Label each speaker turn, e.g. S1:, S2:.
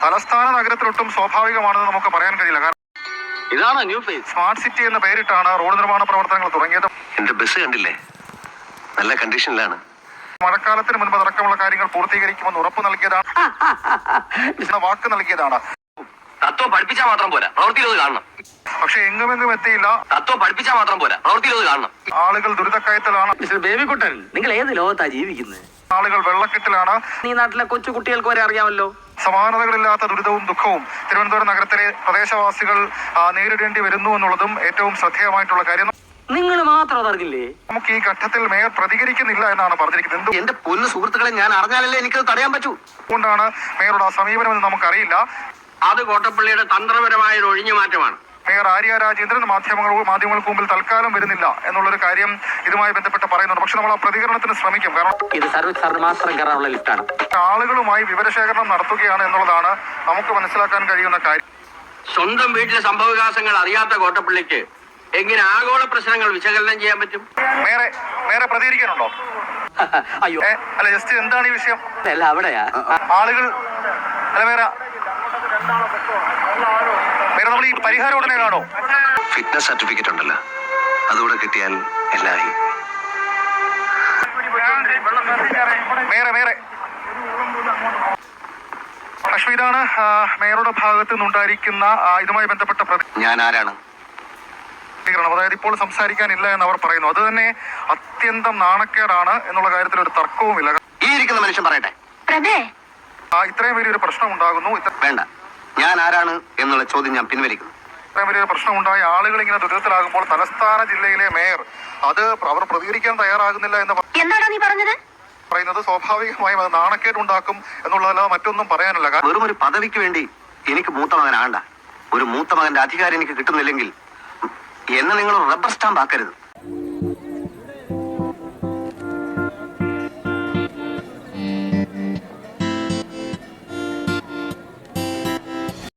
S1: തലസ്ഥാന നഗരത്തിലൊട്ടും സ്വാഭാവികമാണെന്ന് നമുക്ക് പറയാൻ കഴിയില്ല. കാരണം
S2: ഇതാണ് ന്യൂ ഫേസ്.
S1: സ്മാർട്ട് സിറ്റി എന്ന പേരിട്ടാണ് റോഡ് നിർമ്മാണ പ്രവർത്തനങ്ങൾ തുടങ്ങിയത്.
S3: എന്റെ ബസ് കണ്ടില്ലേ, നല്ല കണ്ടീഷനിലാണ്.
S1: മഴക്കാലത്തിന് മുൻപ് അടക്കമുള്ള കാര്യങ്ങൾ പൂർത്തീകരിക്കുമെന്ന് ഉറപ്പ് നൽകിയതാണ്, വാക്ക് നൽകിയതാണ്.
S2: തത്വം പഠിപ്പിച്ചാൽ മാത്രം പോരാ, പ്രവൃത്തിയിലത് കാണണം.
S1: പക്ഷെ എങ്ങുമെങ്ങും എത്തിയില്ല.
S2: തത്വം പഠിപ്പിച്ചാൽ മാത്രം പോരാ, പ്രവൃത്തിയിലത് കാണണം.
S1: ആളുകൾ ദുരിതക്കയത്തിലാണ്.
S4: മിസ്റ്റർ ബേബിക്കുട്ടൻ, നിങ്ങൾ ഏത് ലോകത്താ ജീവിക്കുന്നത്?
S1: ആളുകൾ വെള്ളക്കെട്ടിലാണ്.
S4: ഈ നാട്ടിലെ കൊച്ചു കുട്ടികൾക്ക് വരെ അറിയാമല്ലോ.
S1: സമാനതകളില്ലാത്ത ദുരിതവും ദുഃഖവും തിരുവനന്തപുരം നഗരത്തിലെ പ്രദേശവാസികൾ നേരിടേണ്ടി വരുന്നു എന്നുള്ളതും ഏറ്റവും ശ്രദ്ധേയമായിട്ടുള്ള കാര്യം.
S4: നിങ്ങൾ മാത്രം അതറിഞ്ഞില്ലേ?
S1: നമുക്ക് ഈ ഘട്ടത്തിൽ മേയർ പ്രതികരിക്കുന്നില്ല എന്നാണ് പറഞ്ഞിരിക്കുന്നത്.
S2: എന്റെ പൊന്നു സുഹൃത്തുക്കളെ, ഞാൻ അറിഞ്ഞാലല്ലേ എനിക്കത് തടയാൻ പറ്റൂ.
S1: അതുകൊണ്ടാണ് മേയറുടെ ആ സമീപനമെന്ന് നമുക്കറിയില്ല.
S2: അത് കോട്ടപ്പള്ളിയുടെ തന്ത്രപരമായ ഒരു ഒഴിഞ്ഞു മാറ്റമാണ്.
S1: മേയർ ആര്യ രാജേന്ദ്രൻ മാധ്യമങ്ങൾക്ക് മുമ്പിൽ തൽക്കാലം വരുന്നില്ല എന്നുള്ളൊരു കാര്യം ഇതുമായി ബന്ധപ്പെട്ട് പറയുന്നുണ്ട്. പക്ഷെ നമ്മൾ ആ പ്രതികരണത്തിന് ശ്രമിക്കും. കാരണം
S4: ഇത് സർവീസ് സാറിന് മാത്രം കയറാനുള്ള ലിഫ്റ്റാണ്.
S1: ആളുകളുമായി വിവരശേഖരണം നടത്തുകയാണ് എന്നുള്ളതാണ് നമുക്ക് മനസ്സിലാക്കാൻ കഴിയുന്ന കാര്യം.
S2: സ്വന്തം വീട്ടിലെ സംഭവവികാസങ്ങൾ അറിയാത്ത കോട്ടപ്പള്ളിക്ക് എങ്ങനെ ആഗോള പ്രശ്നങ്ങൾ വിശകലനം ചെയ്യാൻ പറ്റും?
S1: മേയറെ പ്രതികരിക്കാനുണ്ടോ?
S4: അയ്യോ
S1: അല്ല, ജസ്റ്റ് എന്താണ് ഈ വിഷയം?
S4: അല്ല, അവിടെയാ
S1: ആളുകൾ അല്ല മേയർ നമ്മൾ ഈ പരിഹാരം ഉടനെ കാണോ?
S3: ഫിറ്റ്നസ് സർട്ടിഫിക്കറ്റ് ഉണ്ടല്ലോ, അതുകൂടെ കിട്ടിയാൽ എല്ലായി.
S1: മേയറെ ലക്ഷ്മി, ഇതാണ് മേയറുടെ ഭാഗത്ത് നിന്നുണ്ടായിരിക്കുന്ന ഇതുമായി ബന്ധപ്പെട്ട
S3: ഞാൻ ആരാണ്?
S1: അതായത് ഇപ്പോൾ സംസാരിക്കാനില്ല എന്ന് അവർ പറയുന്നു. അത് തന്നെ അത്യന്തം നാണക്കേടാണ് എന്നുള്ള കാര്യത്തിൽ ഒരു തർക്കവുമില്ല.
S2: ഈ ഇരിക്കുന്ന മനുഷ്യൻ പറയട്ടെ,
S1: ഇത്രയും വലിയൊരു പ്രശ്നം ഉണ്ടാകുന്നു.
S2: വേണ്ട, ഞാൻ ആരാണ് എന്നുള്ള ചോദ്യം ഞാൻ പിൻവലിക്കുന്നു.
S1: ഇത്രയും വലിയൊരു പ്രശ്നം ഉണ്ടായി ആളുകൾ ഇങ്ങനെ ദുരിതത്തിലാകുമ്പോൾ തലസ്ഥാന ജില്ലയിലെ മേയർ അവർ പ്രതികരിക്കാൻ തയ്യാറാകുന്നില്ല എന്ന് പറയുന്നത് സ്വാഭാവികമായും അത് നാണക്കേടുണ്ടാക്കും എന്നുള്ളതല്ലാതെ മറ്റൊന്നും പറയാനല്ല.
S2: വെറും ഒരു പദവിക്ക് വേണ്ടി എനിക്ക് മൂത്ത മകനാണ്ട. ഒരു മൂത്ത മകന്റെ അധികാരം എനിക്ക് കിട്ടുന്നില്ലെങ്കിൽ എന്നെ നിങ്ങൾ റബ്ബർ സ്റ്റാമ്പ് ആക്കരുത്.